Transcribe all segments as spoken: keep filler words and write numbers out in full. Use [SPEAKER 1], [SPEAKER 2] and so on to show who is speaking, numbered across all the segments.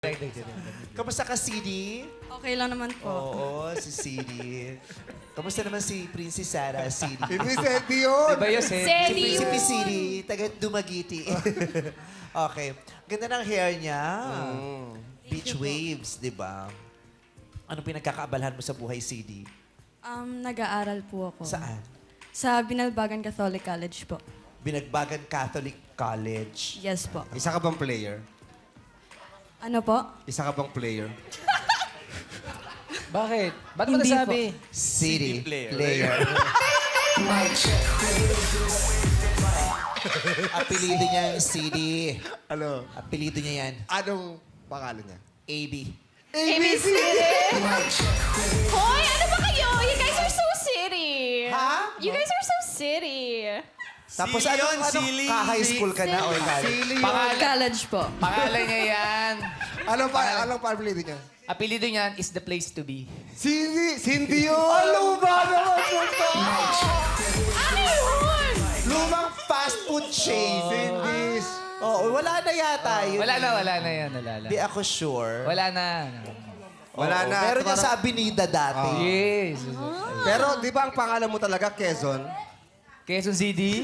[SPEAKER 1] Kamusta ka, C D?
[SPEAKER 2] Okay lang naman po.
[SPEAKER 1] Oo, si C D. Kamusta naman si Princess Sarah, C D?
[SPEAKER 3] Hindi Sedi yun.
[SPEAKER 4] Diba yun, Sedi?
[SPEAKER 1] Si
[SPEAKER 2] Sedi
[SPEAKER 1] Prinsipe
[SPEAKER 2] yun.
[SPEAKER 1] C D, taga Dumagiti. Okay. Ganda ng hair niya. Beach waves, di ba? Anong pinagkakaabalahan mo sa buhay, C D?
[SPEAKER 2] Um, nag-aaral po ako.
[SPEAKER 1] Saan?
[SPEAKER 2] Sa Binalbagan Catholic College po.
[SPEAKER 1] Binagbagan Catholic College.
[SPEAKER 2] Yes po.
[SPEAKER 3] Isa ka bang player?
[SPEAKER 2] Ano po?
[SPEAKER 3] Isa ka bang player?
[SPEAKER 4] Bakit? Ba't mo
[SPEAKER 2] Hindi
[SPEAKER 4] nasabi?
[SPEAKER 1] City player. Apelido niya yung C D.
[SPEAKER 3] Ano?
[SPEAKER 1] Apelido niya yan.
[SPEAKER 3] Anong pangalan niya?
[SPEAKER 1] A B.
[SPEAKER 5] A B C! Hoy, ano ba kayo? You guys are so city.
[SPEAKER 1] Ha?
[SPEAKER 5] You guys are so city.
[SPEAKER 1] Tapos
[SPEAKER 6] Silly
[SPEAKER 1] ano,
[SPEAKER 6] yun,
[SPEAKER 1] ano,
[SPEAKER 6] silly.
[SPEAKER 1] ka-high school ka na o college?
[SPEAKER 2] College po.
[SPEAKER 4] Pangalan niya yan.
[SPEAKER 3] Anong, pa, anong apelido niya?
[SPEAKER 4] Apelido niyan is the place to be.
[SPEAKER 3] Cindy! Cindy yun! Ano ba naman ito?
[SPEAKER 5] Ano yun?
[SPEAKER 1] Lumang fast food chain.
[SPEAKER 3] Cindy's.
[SPEAKER 1] Oo, wala na yata yun.
[SPEAKER 4] Wala na, wala na yan. Wala na.
[SPEAKER 1] Di ako sure.
[SPEAKER 4] Wala na.
[SPEAKER 3] Wala
[SPEAKER 1] Oo,
[SPEAKER 3] na.
[SPEAKER 1] Meron niya
[SPEAKER 3] Parang-
[SPEAKER 1] sa Avenida dati.
[SPEAKER 4] Yes.
[SPEAKER 3] Pero di ba ang pangalan mo talaga, Quezon?
[SPEAKER 4] Quezon City.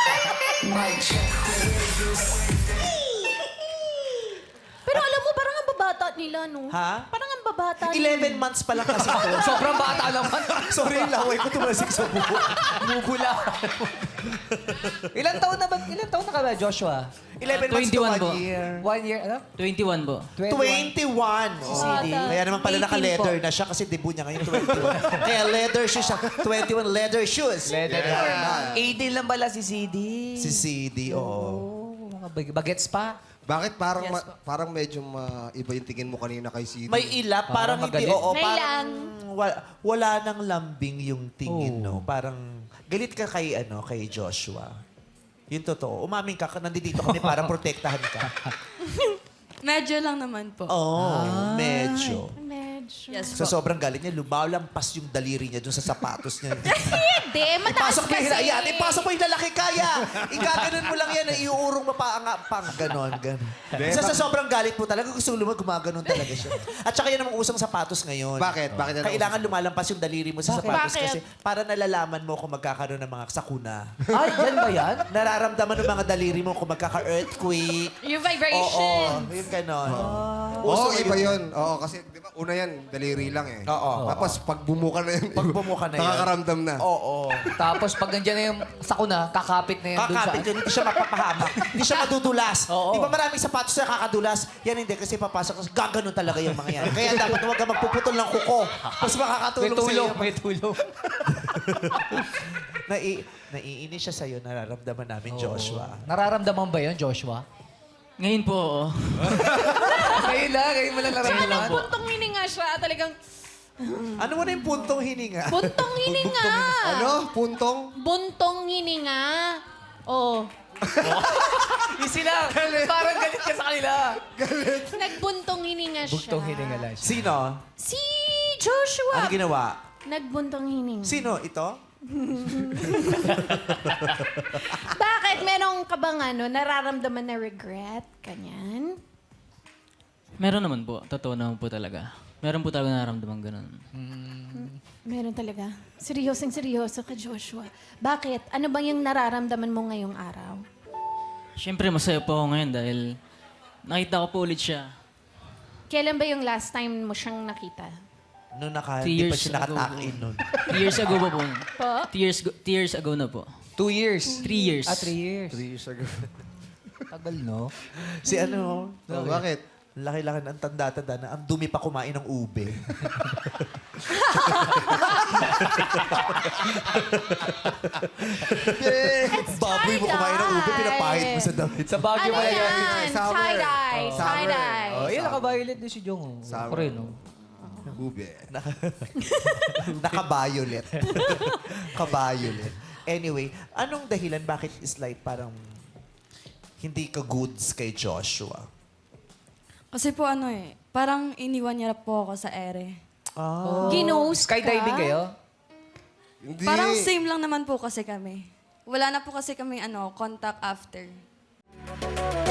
[SPEAKER 5] Pero alam mo, parang ang babata nila, no?
[SPEAKER 1] Ha?
[SPEAKER 5] Parang ang babata nila.
[SPEAKER 1] eleven months pa lang kasi ito.
[SPEAKER 4] Sobrang bata naman.
[SPEAKER 1] Sorry, laway ko tumasik sa buhok.
[SPEAKER 4] Mubula. Ilan taon na ba? Ilan taon na ka ba, Joshua?
[SPEAKER 1] eleven months to
[SPEAKER 7] twenty-one
[SPEAKER 1] one
[SPEAKER 7] po.
[SPEAKER 1] year.
[SPEAKER 4] One year, ano?
[SPEAKER 7] twenty-one po.
[SPEAKER 1] twenty-one. Si C D.
[SPEAKER 5] Bata.
[SPEAKER 1] Kaya naman pala
[SPEAKER 2] eighteen
[SPEAKER 1] naka-leather
[SPEAKER 2] po.
[SPEAKER 1] na siya kasi debut niya ngayon twenty-one. Kaya leather shoes siya. twenty-one leather shoes.
[SPEAKER 4] Leather.
[SPEAKER 1] Yeah.
[SPEAKER 4] eighteen lang pala si C D.
[SPEAKER 1] Si C D, oo.
[SPEAKER 4] Oh, mga bag- bagets pa.
[SPEAKER 3] Bakit parang ma- parang medyo ma- iba yung tingin mo kanina kay Cindy?
[SPEAKER 1] May ilap, parang,
[SPEAKER 4] Parang
[SPEAKER 1] hindi,
[SPEAKER 4] magalit.
[SPEAKER 1] oo.
[SPEAKER 5] May
[SPEAKER 1] Parang wala, wala nang lambing yung tingin, no? Parang galit ka kay, ano, kay Joshua. Yun totoo. Umamin ka, nandito kami para protektahan ka.
[SPEAKER 2] Medyo lang naman po.
[SPEAKER 1] Oo, medyo.
[SPEAKER 5] Medyo.
[SPEAKER 2] Yes
[SPEAKER 1] Sa
[SPEAKER 2] po.
[SPEAKER 1] sobrang galit niya, lumalampas yung daliri niya dun sa sapatos niya.
[SPEAKER 5] Hindi, mataas
[SPEAKER 1] Ipasok mo yung
[SPEAKER 5] kasi.
[SPEAKER 1] hila- yan, ipasok mo yung lalaki kaya. Igaganon mo lang yan, iuurong mo pa ang pang ganon, ganon. Isa sa sobrang galit po talaga, gusto mo gumaganon talaga siya. At saka yan ang usang sapatos ngayon.
[SPEAKER 3] Bakit? Bakit yan ang
[SPEAKER 1] Kailangan lumalampas yung daliri mo sa
[SPEAKER 4] Bakit?
[SPEAKER 1] sapatos
[SPEAKER 5] Bakit?
[SPEAKER 1] kasi para nalalaman mo kung magkakaroon ng mga sakuna.
[SPEAKER 4] Ay, yan ba yan?
[SPEAKER 1] Nararamdaman ng mga daliri mo kung magkaka-earthquake.
[SPEAKER 5] Yung
[SPEAKER 1] Oo,
[SPEAKER 5] vibration.
[SPEAKER 1] yung ganon.
[SPEAKER 3] Oo,
[SPEAKER 1] Uso
[SPEAKER 3] iba
[SPEAKER 1] yun.
[SPEAKER 3] yun. Oo, kasi di ba una yan, daliri lang eh.
[SPEAKER 1] Oo.
[SPEAKER 3] Tapos pag bumuka na yun,
[SPEAKER 1] Pag bumuka na yan.
[SPEAKER 3] nakakaramdam na.
[SPEAKER 1] Oo.
[SPEAKER 4] Tapos pag nandiyan na yung sakuna, kakapit na yan dun sa...
[SPEAKER 1] Kakapit yun, hindi siya mapapahamak. Hindi siya madudulas.
[SPEAKER 4] Oo.
[SPEAKER 1] Di ba maraming sapatos na kakadulas? Yan hindi, kasi papasok. Gaganon talaga yung mga yan. Kaya dapat huwag ka magpuputol ng kuko. Mas
[SPEAKER 4] May
[SPEAKER 1] makakatulong
[SPEAKER 4] tulong,
[SPEAKER 1] sa'yo.
[SPEAKER 4] may tulong.
[SPEAKER 1] Nai naiinis siya sa'yo, nararamdaman namin, Joshua.
[SPEAKER 4] Nararamdaman ba yun, Joshua?
[SPEAKER 7] Ngayon po, oo.
[SPEAKER 4] Ngayon lang, ngayon mo lang
[SPEAKER 5] Tsaka
[SPEAKER 4] nararamdaman.
[SPEAKER 5] nung puntong hininga siya, talagang
[SPEAKER 1] Ano mo na yung puntong hininga?
[SPEAKER 5] buntong hininga.
[SPEAKER 3] Ano? Puntong?
[SPEAKER 5] Buntong hininga. Oh.
[SPEAKER 4] Yung sila, parang galit ka sa kanila.
[SPEAKER 5] Nagbuntong hininga siya.
[SPEAKER 4] Buktong hininga lang siya.
[SPEAKER 1] Sino?
[SPEAKER 5] Si Joshua.
[SPEAKER 1] Ano ginawa?
[SPEAKER 5] Nagbuntong hininga.
[SPEAKER 1] Sino? Ito?
[SPEAKER 5] Bakit? Merong ka bang ano, nararamdaman na regret? Kanyan?
[SPEAKER 7] Meron naman po. Totoo naman po talaga. Meron po talaga nararamdaman ganun.
[SPEAKER 5] Meron talaga. Seryosong seryoso ka, Joshua. Bakit? Ano bang yung nararamdaman mo ngayong araw?
[SPEAKER 7] Siyempre, masaya po ako ngayon dahil nakita ko po ulit siya.
[SPEAKER 5] Kailan ba yung last time mo siyang nakita?
[SPEAKER 1] Noong naka,
[SPEAKER 7] Three
[SPEAKER 1] hindi pa
[SPEAKER 7] years
[SPEAKER 1] siya
[SPEAKER 7] ago.
[SPEAKER 1] nakatakin nun.
[SPEAKER 7] Three years ago pa po.
[SPEAKER 5] Po?
[SPEAKER 7] Two years, go- two years ago na po.
[SPEAKER 4] Two years.
[SPEAKER 7] Three years.
[SPEAKER 4] Ah, three years.
[SPEAKER 3] Three years ago.
[SPEAKER 4] Tagal, no?
[SPEAKER 1] Si ano?
[SPEAKER 3] Oh, bakit?
[SPEAKER 1] Laki-laki na ang tanda-tanda na ang dumi pa kumain ng ube. Baboy mo kumain ng ube, pinapahid mo sa damit.
[SPEAKER 4] Sa Baguio
[SPEAKER 5] Ano
[SPEAKER 4] pala yan.
[SPEAKER 5] yan?
[SPEAKER 3] Summer.
[SPEAKER 5] Tie-dye.
[SPEAKER 3] Oh. Summer.
[SPEAKER 5] Tie-dye.
[SPEAKER 4] Oh, yun, naka-violet din si Jong. Oh.
[SPEAKER 3] Summer.
[SPEAKER 4] Ako rin, oh.
[SPEAKER 3] Ube.
[SPEAKER 1] Naka-violet. Ka-violet. Anyway, anong dahilan bakit is like parang hindi ka goods kay Joshua?
[SPEAKER 2] Kasi po ano eh, parang iniwan niya po ako sa ere.
[SPEAKER 1] Ah.
[SPEAKER 5] Ginose ka?
[SPEAKER 4] Skydiving kayo?
[SPEAKER 3] Hindi.
[SPEAKER 2] Parang same lang naman po kasi kami. Wala na po kasi kami ano, contact after.